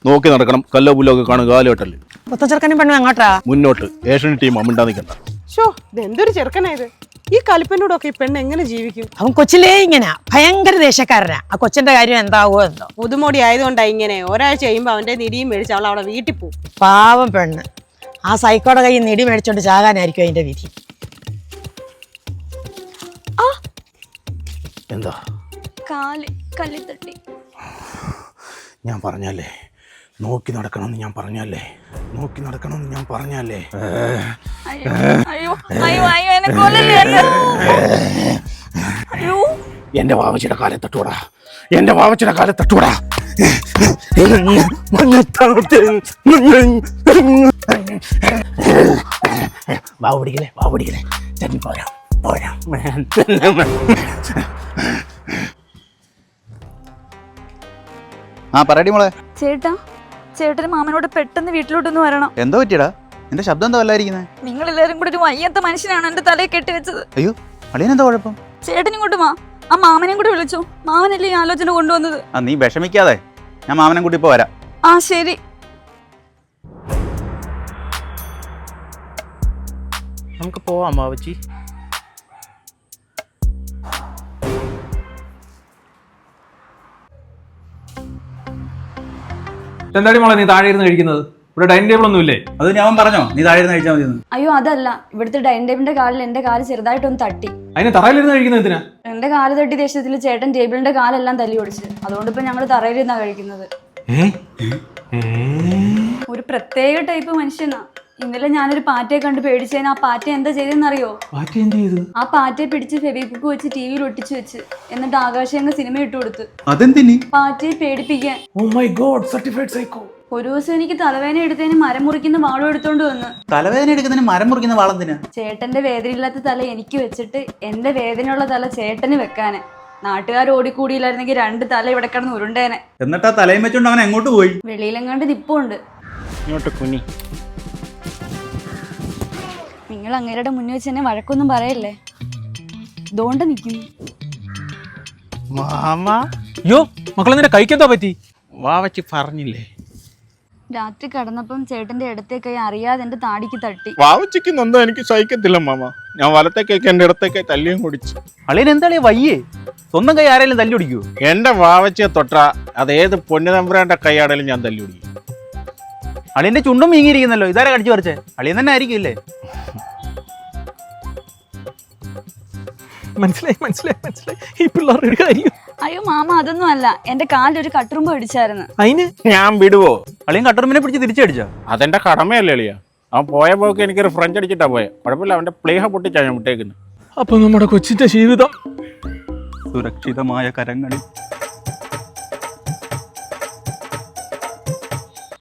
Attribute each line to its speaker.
Speaker 1: നോക്കി നടക്കണം. കല്ലോ പുല്ലൊക്കെ കാണും കാലോട്ടല്.
Speaker 2: ചെറുക്കനും പെണ്ണും എങ്ങോട്ടാ?
Speaker 1: മുന്നോട്ട്. ഏഷ്യൻ ടീം അമ്മിണ്ടാ നിൽക്കണ്ട.
Speaker 3: ഷോ ഇതെന്തൊരു ചെറുക്കനായത്. ഈ കലിപ്പനോടൊക്കെ ഈ പെണ്ണ് എങ്ങനെ ജീവിക്കും?
Speaker 2: അവൻ കൊച്ചിലേ ഇങ്ങനെ ഭയങ്കര ദേഷ്യക്കാരനാ. ആ കൊച്ചിന്റെ കാര്യം എന്താവോ എന്തോ.
Speaker 3: പുതുമോടി ആയതുകൊണ്ടാ ഇങ്ങനെ. ഒരാഴ്ച കഴിയുമ്പോ അവന്റെ നിടിയും മേടിച്ച് അവൾ അവിടെ വീട്ടിൽ പോകും.
Speaker 2: പാവം പെണ്ണ്. ആ സൈക്കോടെ കയ്യിൽ നിടി മേടിച്ചോണ്ട് ചാകാനായിരിക്കും അതിന്റെ വിധി.
Speaker 1: എന്താ
Speaker 4: കല്ലിൽ തട്ടി.
Speaker 1: ഞാൻ പറഞ്ഞല്ലേ നോക്കി നടക്കണമെന്ന് ഞാൻ പറഞ്ഞല്ലേ. നോക്കി നടക്കണമെന്ന് ഞാൻ പറഞ്ഞല്ലേ.
Speaker 4: അയ്യോ അയ്യോ അയ്യോ അയ്യോ എന്നെ കൊല്ലല്ലേ. അയ്യോ
Speaker 1: എന്റെ വാവച്ചിയുടെ കാലെ തട്ടൂടാ. എന്റെ വാവച്ചിയുടെ കാലെ തട്ടൂടാ. വാവ് പിടിക്കലേ വാവ് പിടിക്കലേ. ചെന്നി പോരാ പോരാ.
Speaker 5: ആ പറയടി മോളെ.
Speaker 4: ചേട്ടന് മാമനോട് പെട്ടെന്ന് വീട്ടിലോട്ടൊന്ന് വരണം.
Speaker 5: എന്തോ പറ്റിയടാ? എന്റെ ശബ്ദം എന്താ വല്ലായിരിക്കുന്നത്?
Speaker 4: നിങ്ങൾ എല്ലാരും കൂടെ ഒരു വയ്യാത്ത മനുഷ്യനാണ് എന്റെ തലയെ കെട്ടിവെച്ചത്.
Speaker 5: അയ്യോ അളിയനെന്താ കുഴപ്പം?
Speaker 4: ചേട്ടൻ ഇങ്ങോട്ട് വാ. ആ മാമനെയും കൂടെ വിളിച്ചോ. മാമനല്ലേ ഈ ആലോചന കൊണ്ടുവന്നത്.
Speaker 5: ആ നീ വിഷമിക്കാതെ, ഞാൻ മാമനെ കൂട്ടി ഇപ്പൊ വരാം.
Speaker 4: ആ ശരി.
Speaker 1: നമുക്ക് പോവാം വാവച്ചി.
Speaker 6: എന്താടി മോളെ നീ താഴെ ഇരുന്ന് കഴിക്കുന്നത്? ഇവിടെ ഡൈനിങ് ടേബിൾ ഒന്നും ഇല്ലേ?
Speaker 5: അത് ഞാൻ പറഞ്ഞോ നീ താഴെ ഇരുന്ന് കഴിച്ചാൽ മതി.
Speaker 4: അയ്യോ അതല്ല, ഇവിടുത്തെ ഡൈനിങ് ടേബിളിന്റെ കാലിൽ എന്റെ കാല് ചെറുതായിട്ടൊന്ന് തട്ടി.
Speaker 6: അതിന് തറയിലിരുന്ന് കഴിക്കുന്നത് എന്തിനാ?
Speaker 4: എന്റെ കാല് തട്ടി ദേഷ്യത്തിൽ ചേട്ടൻ ടേബിളിന്റെ കാലെല്ലാം തല്ലി ഓടിച്ച്. അതുകൊണ്ട് ഇപ്പൊ ഞങ്ങള് തറയിലിരുന്നാ കഴിക്കുന്നത്. ഒരു പ്രത്യേക ടൈപ്പ് മനുഷ്യനാ. ഇന്നലെ ഞാനൊരു പാറ്റയെ കണ്ട് പേടിച്ചതിന് ആ പാറ്റ എന്താ ചെയ്തെന്നറിയോ? ആ പാറ്റയെ പിടിച്ച് ഫെവിക്വിക്ക് വെച്ച് ടിവിയിൽ ഒട്ടിച്ചു വെച്ച് എന്നിട്ട് ആകാശങ്ങ് സിനിമ ഇട്ട് കൊടുത്ത്.
Speaker 5: അതെന്തിനി?
Speaker 4: പാറ്റയെ പേടിപ്പിക്കാൻ.
Speaker 6: Oh my god, certified psycho.
Speaker 4: ഒരു ദിവസം എനിക്ക് തലവേദന എടുത്തതിന് മരം മുറിക്കുന്ന വാളും എടുത്തോണ്ട് വന്ന്.
Speaker 5: തലവേദന എടുക്കുന്നതിന് മരം മുറിക്കുന്ന വാളെന്തിനാ?
Speaker 4: ചേട്ടന്റെ വേദനയില്ലാത്ത തല എനിക്ക് വെച്ചിട്ട് എന്റെ വേദനയുള്ള തല ചേട്ടന് വെക്കാന്. നാട്ടുകാർ ഓടിക്കൂടിയില്ലായിരുന്നെങ്കിൽ 2 തല ഇവിടെ കിടന്ന് ഉരുണ്ടേനെ.
Speaker 5: എന്നിട്ട് ആ തലയും വെച്ചോണ്ട് അവൻ എങ്ങോട്ട് പോയി?
Speaker 4: വെളിയിലെങ്ങാണ്ട് നിപ്പുണ്ട്.
Speaker 1: ഇങ്ങോട്ട് കുനി.
Speaker 4: നിങ്ങൾ അങ്ങേരുടെ മുന്നിൽ വെച്ച് എന്നെ വഴക്കൊന്നും പറയല്ലേ. ദോണ്ട നിക്കുന്നു.
Speaker 1: മാമ
Speaker 6: അയ്യോ മക്കളെന്തിനാ കഴിക്കെന്താ പറ്റി?
Speaker 1: വാവച്ചി പറഞ്ഞില്ലേ.
Speaker 4: രാത്രി കടന്നപ്പം ചേട്ടന്റെ ഇടത്തെ കൈ അറിയാതെ എന്റെ താടിക്ക് തട്ടി.
Speaker 1: വാവച്ചിക്ക് നൊന്നും എനിക്ക് സഹിക്കത്തില്ല മാമ. ഞാൻ വലത്തേക്കൊക്കെ എന്റെ ഇടത്തേക്ക് തല്ലിയും കുടിച്ചു.
Speaker 5: അളിയൻ എന്താളിയ വയ്യേ? സ്വന്തം കൈ ആരെങ്കിലും തല്ലി പിടിക്കൂ?
Speaker 1: എന്റെ വാവച്ചിയെ തൊട്ടാ അതേത് പൊന്നുതമ്പുരാന്റെ കൈയാടലും ഞാൻ തല്ലി പിടിക്കും.
Speaker 5: അളിയന്റെ ചുണ്ടും വീങ്ങിയിരിക്കുന്നല്ലോ. ഇതാരെ കടിച്ചു പറിച്ചേ? അളിയൻ തന്നെ ആയിരിക്കും ഇല്ലേ?
Speaker 6: മനസ്സിലായി ഈ പിള്ളേരുടെ കാര്യം.
Speaker 4: അയ്യോ മാമ അതൊന്നും അല്ല, എന്റെ കാലിലൊരു കട്ടുറുമ്പ് അടിച്ചായിരുന്നു.
Speaker 6: അതിന്
Speaker 1: ഞാൻ വിടുവോ?
Speaker 5: അളിയൻ കട്ടറുമ്പിനെ പിടിച്ച് തിരിച്ചടിച്ചോ?
Speaker 1: അതെന്റെ കടമയല്ലേ എളിയ. അവൻ പോയ പോക്ക് എനിക്കൊരു ഫ്രഞ്ച് അടിച്ചിട്ടാ പോയെ. കുഴപ്പമില്ല, അവന്റെ പ്ലേഹ പൊട്ടിച്ചാ ഞാൻ വിട്ടേക്കുന്നത്.
Speaker 6: അപ്പൊ നമ്മുടെ കൊച്ചിന്റെ ജീവിതം
Speaker 5: സുരക്ഷിതമായ കരങ്ങളിൽ